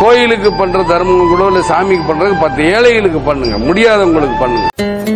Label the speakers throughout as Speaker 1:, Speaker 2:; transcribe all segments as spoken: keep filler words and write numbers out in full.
Speaker 1: கோயிலுக்கு பண்ற தர்மம் கூட இல்ல சாமிக்கு பண்றது பத்து ஏழைகளுக்கு பண்ணுங்க, முடியாதவங்களுக்கு பண்ணுங்க.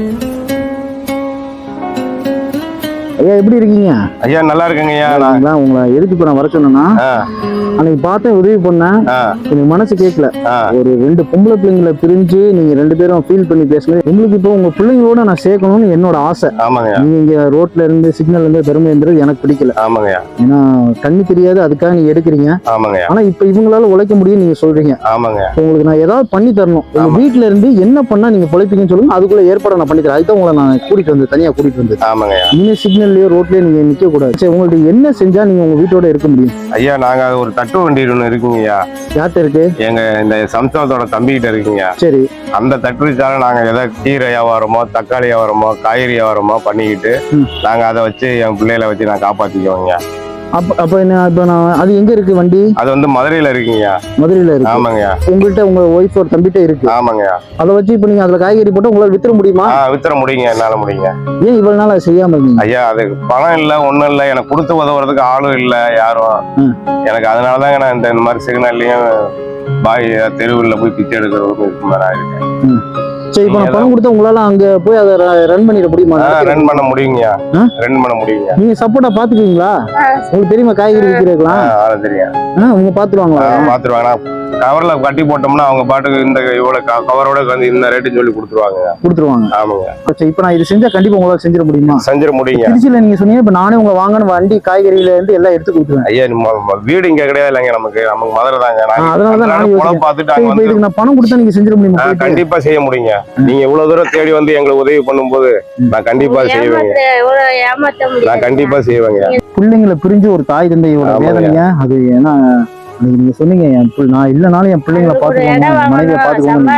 Speaker 2: ஐயா எப்படி இருக்கீங்க?
Speaker 3: ஐயா நல்லா இருக்கேங்க ஐயா.
Speaker 2: நான் உங்களை எதுக்கு இப்ப நான் வர சொன்னேன்னா, அன்னைக்கு பார்த்தேன் உதவி பண்ணேன், எனக்கு மனசு கேட்கல. ஒரு ரெண்டு பொம்பளை பிள்ளைங்களை பிரிஞ்சு நீங்க ரெண்டு பேரும் ஃபீல் பண்ணி பேசுனது உங்களுக்கு இப்போ உங்க பிள்ளைங்களோட நான் சேர்க்கணும்னு என்னோட ஆசை.
Speaker 3: ஆமாங்க.
Speaker 2: நீங்க இங்க ரோட்ல இருந்து சிக்னல் இருந்து பெருமை இருந்தது எனக்கு பிடிக்கல.
Speaker 3: ஆமாங்க.
Speaker 2: ஏன்னா கண்ணு தெரியாது, அதுக்காக நீங்க எடுக்கிறீங்க.
Speaker 3: ஆமாங்க.
Speaker 2: ஆனா இப்ப இவங்களால உழைக்க முடியும் நீங்க சொல்றீங்க.
Speaker 3: ஆமாங்க.
Speaker 2: உங்களுக்கு நான் ஏதாவது பண்ணி தரணும். உங்க வீட்டுல இருந்து என்ன பண்ணா நீங்க பொழைப்பீங்கன்னு சொல்லுங்க, அதுக்குள்ள ஏற்பாடு நான் பண்ணி தரேன். அதுதான் உங்களை நான் கூட்டிட்டு வந்து தனியா கூட்டிட்டு வந்து.
Speaker 3: ஆமாங்க.
Speaker 2: இனிமே சிக்னல்லயோ ரோட்லயோ நீங்க நிக்க கூடாது. சரி, உங்களுக்கு என்ன செஞ்சா நீங்க உங்க வீட்டோட இருக்க முடியும்?
Speaker 3: ஐயா நாங்க ஒரு தட்டு வண்டி ஒண்ணு இருக்குங்க ஐயா.
Speaker 2: யார்கிட்ட இருக்கு?
Speaker 3: எங்க இந்த சம்சாரத்தோட தம்பிக்கிட்ட இருக்குங்க.
Speaker 2: சரி.
Speaker 3: அந்த தட்டுச்சால நாங்க ஏதாவது கீரை வியாபாரமோ தக்காளி வியாபாரமோ காய்கறி வியாபாரமோ பண்ணிக்கிட்டு நாங்க அதை வச்சு என் பிள்ளைகளை வச்சு நான் காப்பாத்திக்குவோங்க.
Speaker 2: அப்ப அப்ப என்ன இப்ப நான் அது எங்க இருக்கு வண்டி?
Speaker 3: அது வந்து மதுரையில இருக்குங்க.
Speaker 2: மதுரையில இருக்கு.
Speaker 3: ஆமாங்க.
Speaker 2: உங்கள்கிட்ட உங்க ஒய்ஃப் ஒரு தம்பிட்ட இருக்கு.
Speaker 3: ஆமாங்க.
Speaker 2: அதை வச்சு இப்ப நீங்க அதுல காய்கறி போட்டு உங்களால வித்துற முடியுமா?
Speaker 3: வித்துற முடியுங்க, என்னால முடியுங்க.
Speaker 2: ஏன் இவ்வளவு நாள் செய்யாம இருந்தீங்க?
Speaker 3: ஐயா அதுக்கு பணம் இல்ல, ஒண்ணும் இல்ல, எனக்கு கொடுத்து உதவுறதுக்கு ஆளும் இல்ல யாரும். எனக்கு அதனாலதாங்க நான் இந்த மாதிரி சிக்னல்லையும் பாய் தெருவில் போய் பிச்சை எடுக்கிறவங்க இருக்கு மாதிரி இருக்கேன்.
Speaker 2: சரி, இப்ப நான் பணம் கொடுத்தா உங்களால அங்க போய் அதை ரன் பண்ணிட முடியுமா?
Speaker 3: ரன் பண்ண முடியுங்க, ரன் பண்ண முடியுங்க.
Speaker 2: நீங்க சப்போர்ட்டா பாத்துக்குவீங்களா? உங்களுக்கு தெரியுமா காய்கறி விற்கிறதுலாம்?
Speaker 3: தெரியும்.
Speaker 2: உங்க பாத்துருவாங்களா?
Speaker 3: பாத்துருவாங்க. கவர்ல கட்டி போட்டோம்னா அவங்க பாட்டுக்கு இந்த இவ்வளவு கவரோட வந்து இந்த ரேட்டுன்னு சொல்லி கொடுத்துருவாங்க.
Speaker 2: கொடுத்துருவாங்க.
Speaker 3: ஆமாங்க.
Speaker 2: இப்ப நான் இது செஞ்சா கண்டிப்பா உங்களால செஞ்சிட முடியுமா?
Speaker 3: செஞ்சிட முடியுங்க.
Speaker 2: திருச்சியில நீங்க சொன்னீங்க இப்ப நானே உங்க வாங்கணும் வண்டி காய்கறியில இருந்து எல்லாம் எடுத்து கொடுத்துருவேன்.
Speaker 3: ஐயா வீடு இங்க கிடையாது இல்லைங்க, நமக்கு நமக்கு மதுரை தாங்க.
Speaker 2: அதனாலதான் நான்
Speaker 3: பாத்துட்டு
Speaker 2: இதுக்கு நான் பணம் கொடுத்தா நீங்க செஞ்சிட முடியுமா?
Speaker 3: கண்டிப்பா செய்ய முடியுங்க. நீங்க இவ்வளவு தூரம் தேடி வந்து எங்களுக்கு உதவி பண்ணும் போது நான் கண்டிப்பா செய்வேங்க. நான் கண்டிப்பா செய்வேங்க.
Speaker 2: பிள்ளைங்களை பிரிஞ்சு ஒரு தாய் தந்தையோட வேதனைங்க அது. ஏன்னா நீங்க சொன்னீங்க நான் இல்லனாலும் என் பிள்ளைங்களை பாத்துக்கணும், மனைவியை பாத்துக்கணும்.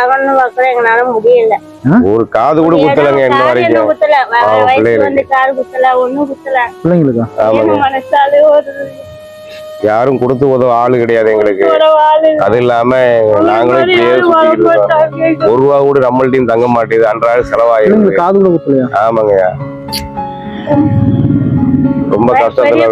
Speaker 3: ஒரு காது கூட குத்தலங்க இன்ன வரைக்கும்
Speaker 2: பிள்ளைங்களுக்கா?
Speaker 3: யாரும் கொடுத்து உதவ ஆளு கிடையாது எங்களுக்கு. அது இல்லாம நாங்களும் இப்படியே சுத்திக்கிட்டு இருக்கோம். ஒரு ரூபா கூட நம்மள்டையும் தங்க மாட்டேது, அன்றாட செலவாயிருக்கு.
Speaker 2: காது கூட குத்தலையா?
Speaker 3: ஆமாங்க. ரொம்ப கஷ்டத்துல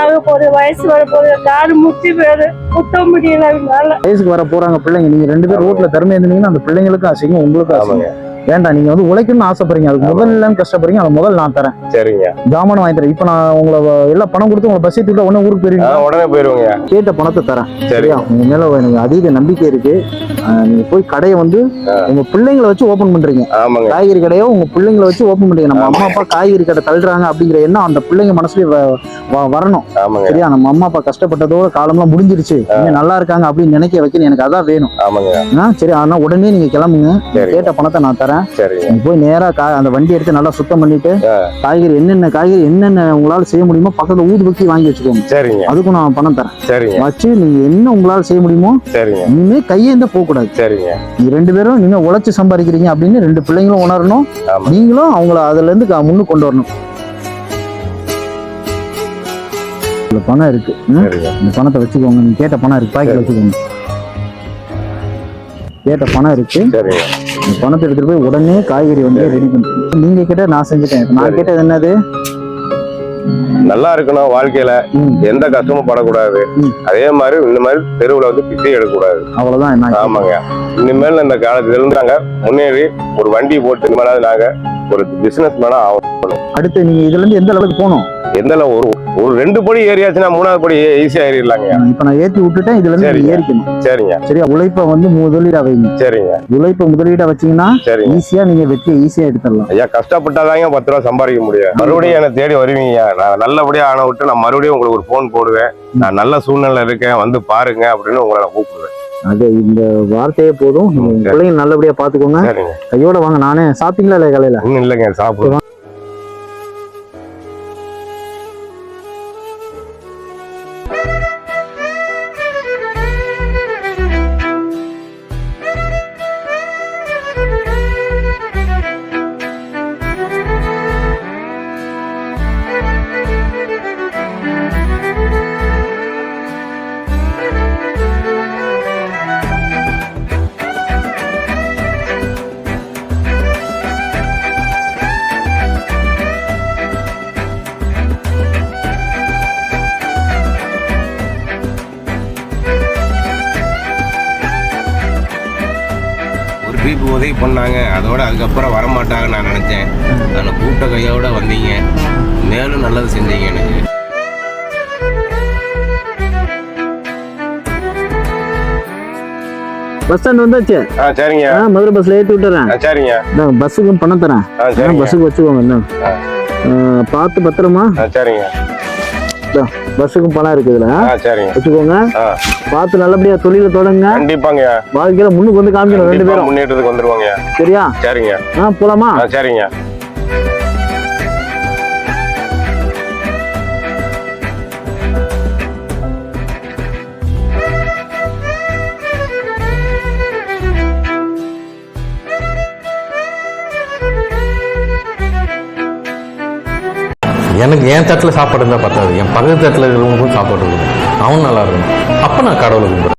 Speaker 2: வயசுக்கு வர போறாங்க பிள்ளைங்க. நீங்க ரெண்டு பேரும் ரோட்ல திறமை இருந்தீங்கன்னா அந்த பிள்ளைங்களுக்கும் அசிங்கம், உங்களுக்கும் அசிங்கம். வேண்டாம், நீங்க வந்து உழைக்கணும்னு ஆசைப்படுறீங்க, அதுக்கு முதல்ல கஷ்டப்படுறீங்க, அது முதல் நான் தரேன்.
Speaker 3: சரிங்க.
Speaker 2: ஜாமான் வாங்கி தரேன். இப்ப நான் உங்களை எல்லாம் பணம் கொடுத்து உங்களை பஸ் ஏத்தி உடனே ஊருக்கு போயிருவீங்க.
Speaker 3: உடனே போயிருவீங்க.
Speaker 2: கேட்ட பணத்தை தரேன். சரியா? உங்க மேல எனக்கு அதீத நம்பிக்கை இருக்கு. நீங்க போய் கடையை வந்து உங்க பிள்ளைங்களை வச்சு ஓபன் பண்றீங்க. காய்கறி கடையோ உங்க பிள்ளைங்களை வச்சு ஓபன் பண்றீங்க. நம்ம அம்மா அப்பா காய்கறி கடை தள்ளுறாங்க அப்படிங்கிற எண்ணம் அந்த பிள்ளைங்க மனசுலயே வரணும். சரியா? நம்ம அம்மா அப்பா கஷ்டப்பட்டதோட காலம்லாம் முடிஞ்சிருச்சு, நல்லா இருக்காங்க அப்படின்னு நினைக்க வைக்கணும். எனக்கு அதான் வேணும். சரி, ஆனா உடனே நீங்க கிளம்புங்க. கேட்ட பணத்தை நான் தரேன். போய் நேரா அந்த வண்டி எடுத்து நல்லா சுத்தம் பண்ணிட்டு காய்கறி என்னென்ன காய்கறி என்னென்ன உங்களால செய்ய முடியுமோ பக்கத்துல ஊதுபத்தி வாங்கி வச்சுக்கோங்க.
Speaker 3: சரிங்க.
Speaker 2: அதுக்கும் நான் பணம் தரேன்.
Speaker 3: சரிங்க.
Speaker 2: வச்சு நீங்க என்ன உங்களால செய்ய முடியுமோ. சரிங்க. இனிமே கையேந்த போக கூடாது.
Speaker 3: சரிங்க.
Speaker 2: நீங்க ரெண்டு பேரும் நீங்க உழைச்சு சம்பாதிக்கிறீங்க அப்படின்னு ரெண்டு பிள்ளைங்களும் உணரணும், நீங்களும் அவங்கள அதுல இருந்து முன்னு கொண்டு வரணும். பணம் இருக்கு, இந்த பணத்தை வச்சுக்கோங்க. நீங்க கேட்ட பணம் இருக்கு, பாக்கெட் வச்சுக்கோங்க. கேட்ட பணம் இருக்கு. பணத்தை எடுத்துட்டு போய் உடனே காய்கறி வந்து ரெடி பண்ணுறேன். நீங்க கேட்ட நான் செஞ்சுட்டேன். நான் கேட்டது என்னது?
Speaker 3: நல்லா இருக்கணும், வாழ்க்கையில எந்த கஷ்டமும் படக்கூடாது. அதே மாதிரி இந்த மாதிரி தெருவுல வந்து பிச்சை எடுக்கக்கூடாது.
Speaker 2: அவ்வளவுதான்.
Speaker 3: ஆமாங்க. இனிமேல் இந்த காலத்துல இருந்து நாங்க முன்னேறி ஒரு வண்டி போட்டு இனிமேலாவது நாங்க ஒரு பிசினஸ் மேனா ஆகணும்.
Speaker 2: அடுத்து நீங்க இதுல இருந்து எந்த அளவுக்கு போகணும்?
Speaker 3: எந்த ஒரு ஒரு ரெண்டு படி ஏறியாச்சுன்னா மூணாவது படி ஈஸியா ஏறிடலாங்க.
Speaker 2: இப்ப நான் ஏத்தி விட்டுட்டேன், இதுல இருந்து ஏறிக்கணும்.
Speaker 3: சரிங்க.
Speaker 2: சரியா? உழைப்ப வந்து முதலீடா வைங்க.
Speaker 3: சரிங்க.
Speaker 2: உழைப்ப முதலீடா வச்சீங்கன்னா ஈஸியா நீங்க வெற்றியை ஈஸியா எடுத்துடலாம்.
Speaker 3: ஐயா கஷ்டப்பட்டாதாங்க பத்து ரூபா சம்பாதிக்க முடியும். மறுபடியும் என்ன தேடி வருவீங்க. நான் நல்லபடியா ஆன விட்டு நான் மறுபடியும் உங்களுக்கு ஒரு போன் போடுவேன். நான் நல்ல சூழ்நிலை இருக்கேன், வந்து பாருங்க அப்படின்னு உங்களை நான் கூப்பிடுவேன்.
Speaker 2: அது இந்த வார்த்தையே போதும். பிள்ளைங்க நல்லபடியா பாத்துக்கோங்க. கையோட வாங்க. நானே சாப்பிட்டீங்களா இல்லையா காலையில?
Speaker 3: இன்னும் இல்லைங்க, சாப்பிடுவேன். இப்போ உதவி பண்ணாங்க, அதோட அதுக்கப்புறம் வரமாட்டாங்கன்னு நான் நினச்சேன். அதில் கூட்ட கையோட வந்தீங்க, மேலும் நல்லது செஞ்சீங்க எனக்கு.
Speaker 2: பஸ் ஸ்டாண்ட் வந்தாச்சு.
Speaker 3: ஆ சரிங்க.
Speaker 2: ஆ மதுரை பஸ்ல ஏற்றி விட்டுறேன்.
Speaker 3: ஆ சரிங்க.
Speaker 2: நான் பஸ்ஸுக்கும் பணம் தரேன்.
Speaker 3: ஆ சரிங்க.
Speaker 2: பஸ்ஸுக்கு வச்சுக்கோங்க. என்ன பார்த்து பத்திரமா.
Speaker 3: ஆ சரிங்க.
Speaker 2: பஸ்ஸுக்கும் பணம் இருக்கு இதுல.
Speaker 3: ஆ சரிங்க.
Speaker 2: வச்சுக்கோங்க. பார்த்து நல்லபடியா தொழில தொடங்க.
Speaker 3: கண்டிப்பாங்க.
Speaker 2: வாழ்க்கையில முன்னுக்கு வந்து காமிக்கணும் ரெண்டு பேரும்.
Speaker 3: முன்னேற்றத்துக்கு வந்துருவாங்க.
Speaker 2: சரியா?
Speaker 3: சரிங்க.
Speaker 2: ஆ போலாமா?
Speaker 3: ஆ சரிங்க.
Speaker 4: எனக்கு என் தட்டில் சாப்பாடு இருந்தால் பத்தாது, என் பக்கத்து தட்டில் இருக்கிறவங்களுக்கும் சாப்பாடு இருக்கணும், அவன் நல்லா இருக்கணும். அப்போ நான் கடவுளை கும்பிடுறேன்.